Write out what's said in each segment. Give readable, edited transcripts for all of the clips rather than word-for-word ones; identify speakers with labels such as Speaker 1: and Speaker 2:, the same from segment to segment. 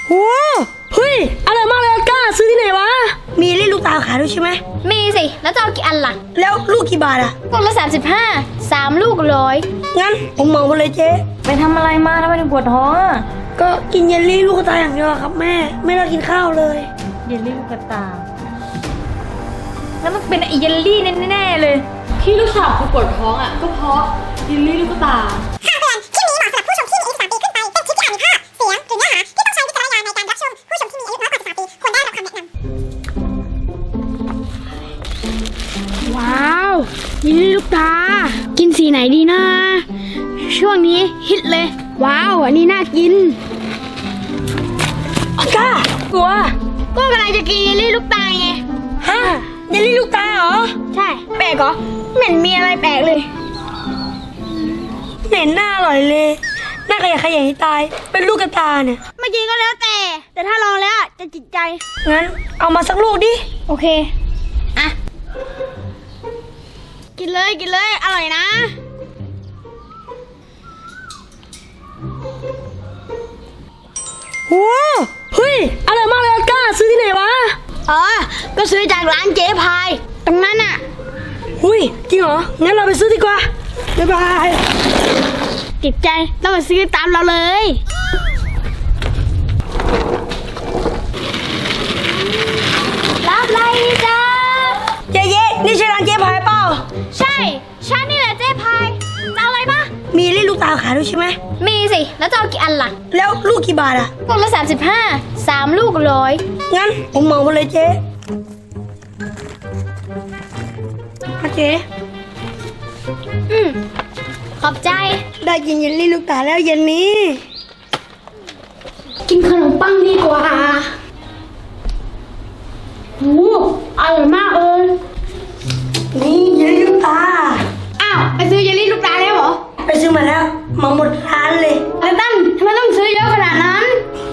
Speaker 1: โอ้เฮ้ยอร่อยมากเลยกล้าซื้อที่ไหนวะมีเล่นลูกตาขายด้วยใช่ไหม
Speaker 2: มีสิแล้วจะเอากี่อันล่ะ
Speaker 1: แล้วลูกกี่บาทอะ
Speaker 2: ลูกละ35 3 ลูก100
Speaker 1: งั้นผมเหมาไปเลยเจ๊
Speaker 3: ไปทำอะไรมาทำไมถึงปวดท้องอ่ะ
Speaker 1: ก็กินเยลลี่ลูกตาอย่างเดียวครับแม่ไม่ได้กินข้าวเลย
Speaker 3: เยลลี่ลูกตาแล้วมันเป็นไอเยลลี่แน่ๆเลยที่ลูกสาวปวดท้องอ่ะก็เพราะเยลลี่ลูกตา
Speaker 4: คำเตือนคลิปนี้เหมาะสำหรับผู้ชมที่มีอายุ13 ปีขึ้นไปเป็นคลิปที่อาจมีภาพเสียงหรือเนื้อหาที่ต้องใช้วิจารณญาณในการรับชมผู้ชมที่มีอายุน้อยกว่า13 ปีควรได้รับคำแนะน
Speaker 5: ำว้าวเยลลี่ลูกตากินสีไหนดีนะช่วงนี้ฮิตเลยว้าวอันนี้น่ากิน
Speaker 1: ก้ากลัว
Speaker 5: ก็กำลังจะกินเยลลี่ลูกตาไง
Speaker 1: ฮะเยลลี่ลูกตาเหรอ
Speaker 5: ใช่แปลกเหรอไม่เห็นมีอะไรแปลกเลย
Speaker 1: เหม็นหน้าอร่อยเลยหน้าขยะให้ตายเป็นลูกกระตาเนี่ย
Speaker 5: ไม่กินก็แล้วแต่ถ้าลองแล้วจะจิตใจ
Speaker 1: งั้นเอามาสักลูกดิ
Speaker 5: โอเคอ่ะกินเลยอร่อยนะ
Speaker 1: โอ้เฮ้ยอร่อยมากเลยกล้าซื้อที่ไหนวะ
Speaker 5: ก็ซื้อจากร้านเจ๊พายตรงนั้นอ่ะ
Speaker 1: หุ้ยจริงเหรองั้นเราไปซื้อดีกว่าบ๊ายบาย
Speaker 5: จิตใจต้องมาซื้อตามเราเลย
Speaker 2: รับไรจ้า
Speaker 1: เจ๊นี่ใช่ร้านเจ๊พายเปล่า
Speaker 2: ใช่ฉันนี่แหละเจ๊พายจะเอาอะไรปะ
Speaker 1: มีเล่นลูกตาขายด้วยใช่ไหม
Speaker 2: มีสิแล้วจะเอากี่อันล่ะ
Speaker 1: แล้วลูกกี่บาทอะ
Speaker 2: ลูกละ35 3 ลูก100
Speaker 1: งั้นผมเหมาไปเลยเจ๊เจ๊
Speaker 2: ขอบใจ
Speaker 1: ได้กินเยลลี่ลูกตาแล้วเย็นนี้
Speaker 5: กินขนมปังดีกว่าโอ้อร่อยมากเลย
Speaker 1: นี่เยลลี่ลูกตา
Speaker 5: อ้าวไปซื้อเยลลี่ลูกตาแล้วเหรอ
Speaker 1: ไปซื้อมาแล้วมาหมดร้านเลย
Speaker 5: แล้วตั้งทำไมต้องซื้อเยอะขนาดนั้น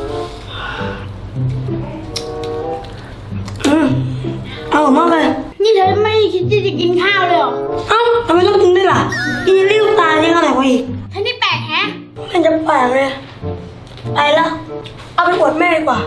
Speaker 1: เอามากเลย
Speaker 5: นี่เธอไม่คิดที่จะกินข้าวเลยเหรอ
Speaker 1: ทำไมต้องกินด้วยล่ะกินเยลลี่ลูกตายังอร่อยกว่าอีก
Speaker 5: ท่านี่แปลกแฮะ
Speaker 1: มันจะแปลกเลยไปละเอาไปอวดแม่ดีกว่า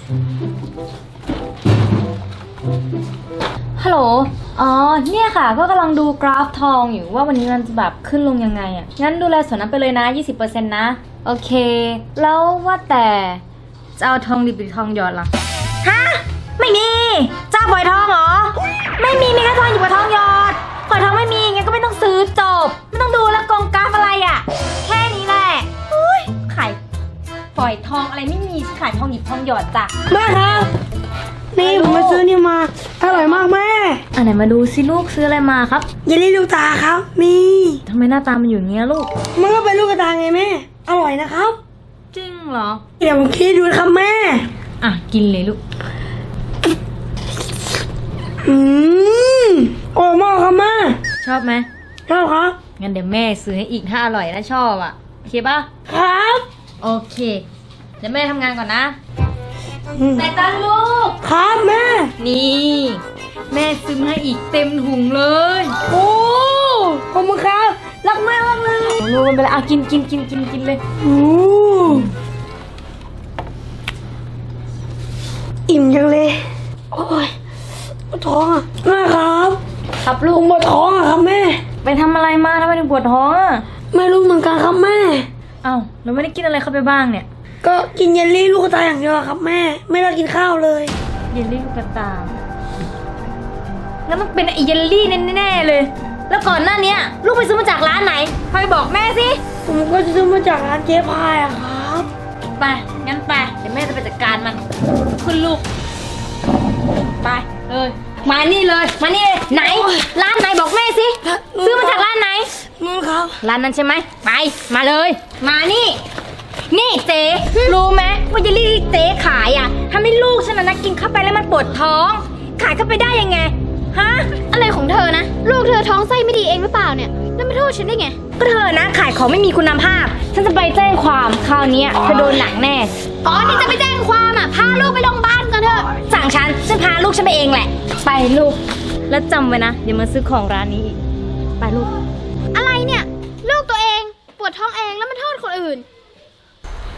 Speaker 3: ฮัลโหลอ๋อเนี่ยค่ะก็กำลังดูกราฟทองอยู่ว่าวันนี้มันจะแบบขึ้นลงยังไงอ่ะงั้นดูแลส่วนนั้นไปเลยนะ 20% นะโอเคแล้วว่าแต่จะเอาทองดิบหรือทองหยอดล่ะฮะไม่มีจะปล่อยทองเหรอไม่มีแค่ทองหยิบกับทองหยอดปล่อยทองไม่มีงั้นก็ไม่ต้องซื้อจบไม่ต้องดูแล้วกองกราฟอะไรอ่ะแค่นี้แหละอุ้ยขายปล่อยทองอะไรไม่มีขายทองหยิบทองหยอดจ้ะ
Speaker 1: แม่ครับนี่ผมมาซื้อนี่มาอร่อยมากแม่
Speaker 3: ไหนมาดูสิลูกซื้ออะไรมาครับ
Speaker 1: เยลลี่ลูกตาครับมี
Speaker 3: ทำไมหน้าตามันอยู่อย่างเงี้ยลูก
Speaker 1: มันก็เป็นลูกกระตาไงแม่อร่อยนะครับ
Speaker 3: จริงเหรอ
Speaker 1: เดี๋ยวผมคิดดูครับแม่
Speaker 3: กินเลยลูก
Speaker 1: อร่อยมากครับแม่
Speaker 3: ชอบไหม
Speaker 1: ชอบครับ
Speaker 3: งั้นเดี๋ยวแม่ซื้อให้อีกถ้าอร่อยและชอบอ่ะโอเคป่ะ
Speaker 1: ครับ
Speaker 3: โอเคเดี๋ยวแม่ทำงานก่อนนะแต่ตอนลูก
Speaker 1: ครับแม่
Speaker 3: นี่แม่ซื้อให้อีกเต็มถุงเลย
Speaker 1: โอ้ขอบคุณครับรักแม่มากเลย
Speaker 3: ลูกมันไปเลยกินเลย
Speaker 1: อิ่มจังเลยโอ้ยปวดท้องแม่ครับ
Speaker 3: ลูก
Speaker 1: ปวดท้องครับแม่
Speaker 3: ไปทำอะไรมาทำไมถึงปวดท้อง
Speaker 1: ไม่รู้เหมือนกันครับแม่
Speaker 3: เราไม่ได้กินอะไรเข้าไปบ้างเนี่ย
Speaker 1: ก็กินเยลลี่ลูกตาอย่างเดียวครับแม่ไม่ได้กินข้าวเลย
Speaker 3: เยลลี่ลูกตาแล้วมันเป็นไอเยลลี่แน่ๆเลยแล้วก่อนหน้านี้ลูกไปซื้อมาจากร้านไหนพายบอกแม่สิ
Speaker 1: ผมก็จะซื้อมาจากร้านเจ๊พายอะครับ
Speaker 3: ไปงั้นไปเดี๋ยวแม่จะไปจัดการมันคุณลูกไปเลยมานี่เลยไหนร้านไหนบอกแม่สิซื้อมาจากร้านไหน
Speaker 1: นู่นครับ
Speaker 3: ร้านนั้นใช่ไหมไปมาเลยมานี่เจ๊รู้ไหมว่าเยลลี่ที่เจ๊ขายอ่ะทำให้ลูกฉันนะกินเข้าไปแล้วมันปวดท้องขายเข้าไปได้ยังไงฮะ
Speaker 2: อะไรของเธอนะลูกเธอท้องไส้ไม่ดีเองหรือเปล่าเนี่ยแล้วไม่โทษฉันได้ไง
Speaker 3: ก็เธอนะขายของไม่มีคุณภาพฉันจะไปแจ้งความคราวนี้เธอโดนหนักแน่
Speaker 2: นี่จะไปแจ้งความพาลูกไปโรงพยาบาลกันเถอะ
Speaker 3: สั่งฉันพาลูกฉันไปเองแหละไปลูกแล้วจำไว้นะอย่ามาซื้อของร้านนี้อีกไปลูก
Speaker 2: อะไรเนี่ยลูกตัวเองปวดท้องเองแล้วมาโทษคนอื่น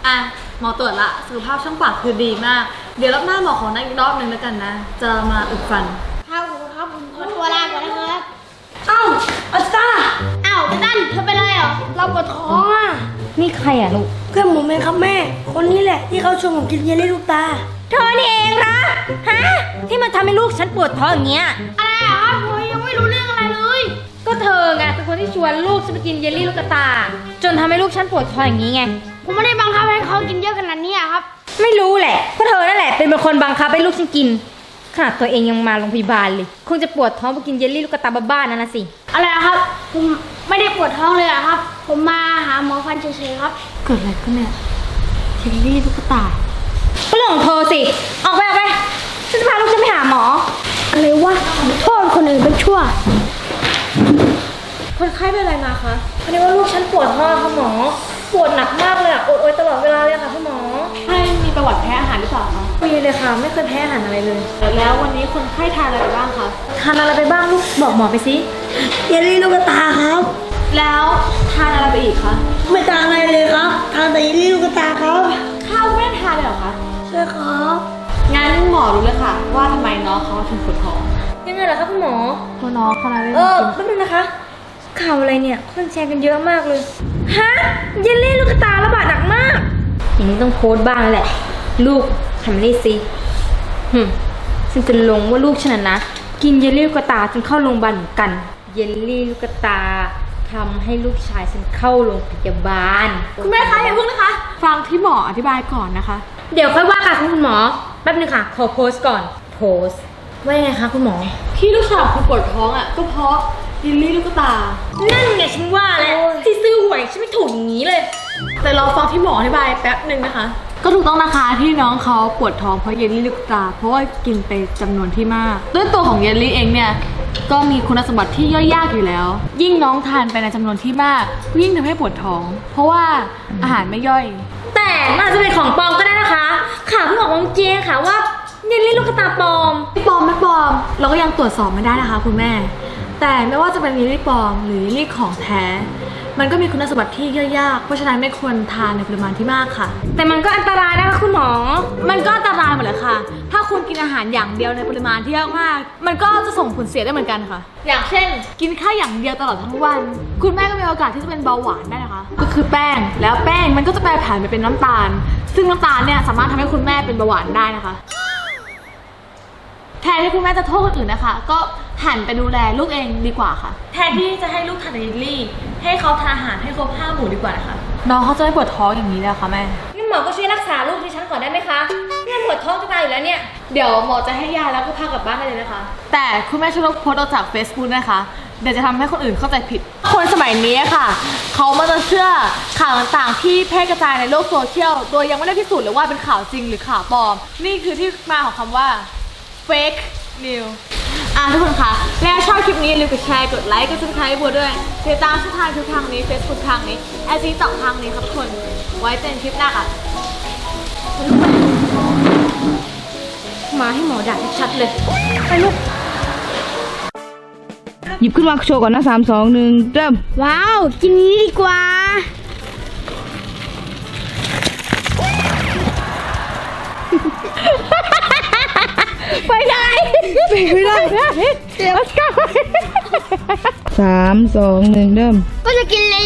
Speaker 6: อ่ะหมอตรวจละสุขภาพช่องปากคือดีมาก เดี๋ยวรอบหน้าหมอขอนัดอีกรอบนึงแล้วกันนะ จะมาอุดฟัน
Speaker 2: ครับผมครับผมขอตัวลาก่อนนะครับ
Speaker 1: เอ้าอัสตา
Speaker 2: อ้าวตั้นเธอเป็นไรเหรอ
Speaker 1: เราปวดท้องอ่ะ
Speaker 3: นี่ใครอ่ะลูก
Speaker 1: เพื่อนผมเองครับแม่ คนนี้แหละที่เขาชวนผมกินเยลลี่ลูกตา
Speaker 3: เธอนี่เองเหรอฮะ ที่มันทำให้ลูกฉันปวดท้องอย่างเงี้ย
Speaker 2: อะไรอ่ะครับผมยังไม่รู้เรื่องอะไรเลย
Speaker 3: ก็เธอไงเป็นคนที่ชวนลูกฉันไปกินเยลลี่ลูกกระตา จนทำให้ลูกฉันปวดท้องอย่างนี้ไง
Speaker 2: ผมไม่ได้บังคับให้เขากินเยอะขนาดนี้อะครับ
Speaker 3: ไม่รู้แหละก็เธอนั่นแหละเป็นคนบังคับให้ลูกฉันกินขนาดตัวเองยังมาโรงพยาบาลเลยคงจะปวดท้องไปกินเยลลี่ลูกกระตาบ้าๆนั่นนะสิ
Speaker 2: อะไรอะครับ ผมไม่ได้ปวดท้องเลยอะครับ ผมมาหาหมอฟันเฉยๆครับ
Speaker 3: เกิดอะไรขึ้นเนี่ยเยลลี่ลูกกระตาก็เรื่องของเธอสิออกไปฉันจะพาลูกฉันไปหาหมอ
Speaker 2: อะไรวะโทษคนอื่นเป็นชั่ว
Speaker 3: คนไข้เป็นอะไรมาคะพอดีว่าลูกฉันปวดท้องค่ะหมอปวดหนักมากเลยอะโอยตลอดเวลาเลยค่ะพี่หมอ
Speaker 6: ให้มีประวัติแพ้อาหารหรือเปล่าคะ
Speaker 3: มีเลยค่ะไม่เคยแพ้อาหารอะไรเลย
Speaker 6: แล้ววันนี้คนไข้ทานอะไรไปบ้างคะ
Speaker 3: ทานอะไรไปบ้างลูกบอกหมอไปสิ
Speaker 1: เยลลี่ลูกตาครับ
Speaker 6: แล้วทานอะไรไปอีกคะ
Speaker 1: ไม่ทานอะไรเลยครับทานแต่เยลลี่ลูกตาครับ
Speaker 6: ข้าวไม่ได้ทานเลยเหรอคะ
Speaker 1: ใช่ครับ
Speaker 6: งั้นหมอรู้เลยค่ะ ว่าทำไมน้องเขาถึงปวดท้อง
Speaker 3: ยังไงเหรอคะคุณหมอ
Speaker 6: เพราะน้องเขาอะไร
Speaker 3: แป๊บนึงนะคะข่าวอะไรเนี่ยคนแชร์กันเยอะมากเลยฮะเยลลี่ลูกกระตาระบาดหนักมากอย่างนี้ต้องโพสต์บ้างแหละลูกทำนี่สิฉันจะลงว่าลูกฉันนะกินเยลลี่ลูกกระตาจนเข้าโรงพยาบาลเหมือนกันเยลลี่ลูกกระตาทำให้ลูกชายฉันเข้าโรงพยาบาล
Speaker 6: คุณแม่คะอย่าเพิ่งนะคะ ฟังที่หมออธิบายก่อนนะคะ
Speaker 3: เดี๋ยวค่อยว่าค่ะคุณหมอแป๊บนึงค่ะขอโพสต์ก่อนโพสต์ว่ายังไงคะคุณหมอ
Speaker 6: ที่ลูกสาวคุณปวดท้องอ่ะก็เพราะเยลลี่ลูกตา
Speaker 3: นั่นไงฉันว่าแล้วที่ซื้อหวยฉันไม่ถูกอย่างนี้เลย
Speaker 6: แต่เราฟังที่หมออธิบายแป๊บหนึ่งนะคะ ก็ถูกต้องนะคะที่น้องเขาปวดท้องเพราะเยลลี่ลูกตา เพราะว่ากินไปจำนวนที่มากด้วยตัวของเยลลี่เองเนี่ยก็มีคุณสมบัติที่ย่อยยากอยู่แล้ว ยิ่งน้องทานไปในจำนวนที่มากยิ่งทำให้ปวดท้อง เพราะว่าอาหารไม่ย่อย
Speaker 3: แต่มันอาจจะเป็นของปลอมก็ได้นะคะข่าวเพิ่งออกมาเมื่อกี้ค่ะว่าเยลลี่ลูกกระตาปลอม
Speaker 6: ไม่ปลอมเราก็ยังตรวจสอบไม่ได้นะคะคุณแม่ แต่ไม่ว่าจะเป็นเยลลี่ปลอมหรือเยลลี่ของแท้มันก็มีคุณสมบัติที่ย่อยยากเพราะฉะนั้นไม่ควรทานในปริมาณที่มากค่ะ
Speaker 3: แต่มันก็อันตรายนะคะคุณหมอ
Speaker 6: มันก็อันตรายหมดเลยค่ะ ถ้าคุณกินอาหารอย่างเดียวในปริมาณที่เยอะมาก มันก็จะส่งผลเสียได้เหมือนกันค่ะ อย่างเช่น กินข้าวอย่างเดียวตลอดทั้งวัน คุณแม่ก็มีโอกาสที่จะเป็นเบาหวานได้นะคะ ก็คือแป้ง แล้วแป้งมันก็จะแปรผันไปเป็นน้ำตาล ซึ่งน้ำตาลเนี่ยสามารถทำให้คุณแม่เป็นเบาหวานได้นะคะ แทนที่คุณแม่จะโทษคนอื่นนะคะ ก็หันไปดูแลลูกเองดีกว่าค่ะ แทนที่จะให้ลูกทานเยลลี่ ให้เขาทานอาหารให้ครบ5 หมู่ดีกว่านะคะ น้องเขาจะไม่ปวดท้องอย่างนี้เลยค่ะแม่
Speaker 3: งั้นหมอก็ช่วยรักษาลูกดิฉันก่อนได้ไหมคะเนี่ยปวดท้องจะตายอยู่แล้วเนี่ย
Speaker 6: เดี๋ยวหมอจะให้ยาแล้วก็พากลับบ้านได้เลยนะคะ แต่คุณแม่ช่วยลบโพสต์ออกจาก Facebook นะคะ เดี๋ยวจะทำให้คนอื่นเข้าใจผิด คนสมัยนี้ค่ะ เขามาจะเชื่อข่าวต่างๆที่แพร่กระจายในโลกโซเชียล โดยยังไม่ได้พิสูจน์เลยว่าเป็นข่าวจริงหรือข่าวปลอม นี่คือที่มาของคำว่า fake news ทุกคนคะแล้วชอบคลิปนี้อย่าลืมกดแชร์ กดไลค์ กด subscribe บัวด้วยติดตามช่องทางทุกทางนี้ Facebook ทางนี้ IG ต่อทางนี้ครับทุกคน ไว้เจอกันคลิปหน้าค่ะ
Speaker 3: มาให้หมอด่าชัดๆเลยไปลูก
Speaker 5: หยิบขึ้นมาโชว์ก่อนนะ3 2 1เริ่ม
Speaker 2: ว้าว กินนี้ดีกว่า
Speaker 5: ไปได้ไม่ได้เดี๋ยว3 2 1เริ่ม
Speaker 2: ก็จะกินเลย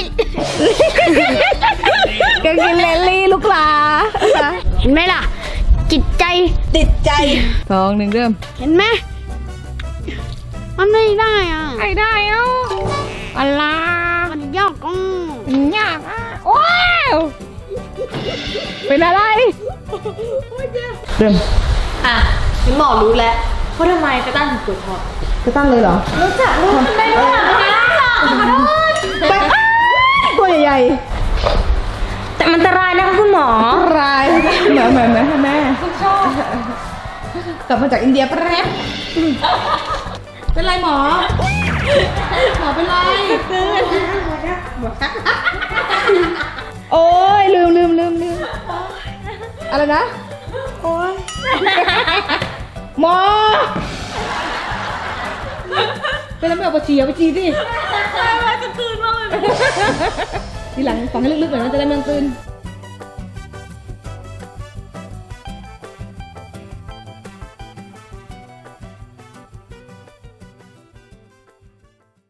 Speaker 5: ก็กินเลลลี่ลูกหลา
Speaker 2: เห็นไหมล่ะ จิตใจ
Speaker 1: ติดใจ
Speaker 5: 2 1เริ่ม
Speaker 2: เห็นไหมมันไม่ได้อ่ะ
Speaker 5: ไอ้ได้เอ้าอะไร
Speaker 2: มันยากอ่ะ
Speaker 5: ยากอ่ะว้าวเป็นอะไรเริ่ม
Speaker 6: งั้นหมอรู้แล้วว่าทำไมกระตั้นถึงปวดท้อง
Speaker 5: จะตั้งเลยเหรอ
Speaker 6: รู้จักลูกทำไมรู้จักนะขอโทษ
Speaker 5: ตัวใหญ่
Speaker 3: แต่มันอันตรายนะคะคุณหมอ
Speaker 5: ๆรายเหมือนแม่กลับมาจากอินเดียแป๊บเป็นไรหมอเป็นไรโอ้ยลืมอะไรนะโอ้ยหมอเป็นอะไรไม่ออกไปฉี่ดิทีหลังฟังให้ลึกๆหน่อยนะจะได้ไม่ต้องตื่น